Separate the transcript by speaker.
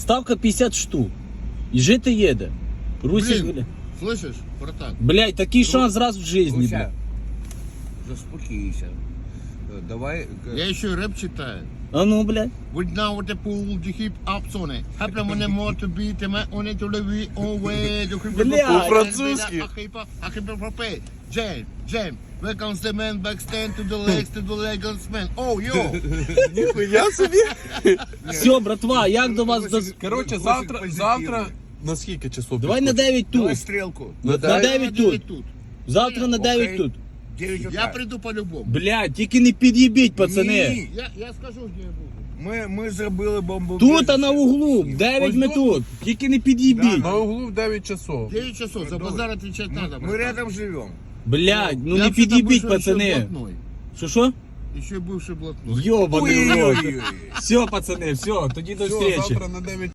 Speaker 1: Ставка 50 штук. І жити їде. Русик,
Speaker 2: Блін.
Speaker 1: бля.
Speaker 2: Слышиш, братан?
Speaker 1: Блядь, такий шанс раз в житті,
Speaker 3: Руся,
Speaker 1: бля.
Speaker 3: заспокійся. Давай.
Speaker 2: Я ще реп читаю.
Speaker 1: А ну, блядь.
Speaker 2: With now with the pool, the hip ups on it. Happen when the more to beat them on it to the we away.
Speaker 1: Бля.
Speaker 4: По-французьки.
Speaker 2: Jam, jam. Where comes the man back stand to the legs to the legs man. Oh, yo.
Speaker 4: Ніхуя собі.
Speaker 1: Все, братва, як до вас до...
Speaker 4: Коротше, завтра на скільки часов?
Speaker 1: Давай на 9
Speaker 3: Давай
Speaker 1: тут.
Speaker 3: стрілку.
Speaker 1: На 9 тут. Завтра на 9
Speaker 3: Окей.
Speaker 1: тут.
Speaker 3: 9
Speaker 2: Я
Speaker 3: утра.
Speaker 2: приду по-любому.
Speaker 1: Блядь, тільки не під'їбіть, пацани.
Speaker 3: Ні.
Speaker 2: Я скажу, де я буду.
Speaker 3: Ми зробили бомбу.
Speaker 1: Тут, а на углу. 9 ми тут. Тільки не під'їбіть.
Speaker 4: На углу в 9 часов.
Speaker 2: 9 часов, за базар отвечать надо.
Speaker 3: Мы рядом живем.
Speaker 1: Блядь, ну
Speaker 2: Я
Speaker 1: не
Speaker 2: вообще-то
Speaker 1: під'їбіть,
Speaker 2: бывший
Speaker 1: пацани.
Speaker 2: еще блатной.
Speaker 1: Що?
Speaker 2: Еще бывший блатной.
Speaker 1: Йобаний рот.
Speaker 3: Ой-ой-ой.
Speaker 1: Все, пацани, все, тоді до
Speaker 4: Все,
Speaker 1: зустрічі.
Speaker 4: завтра на 9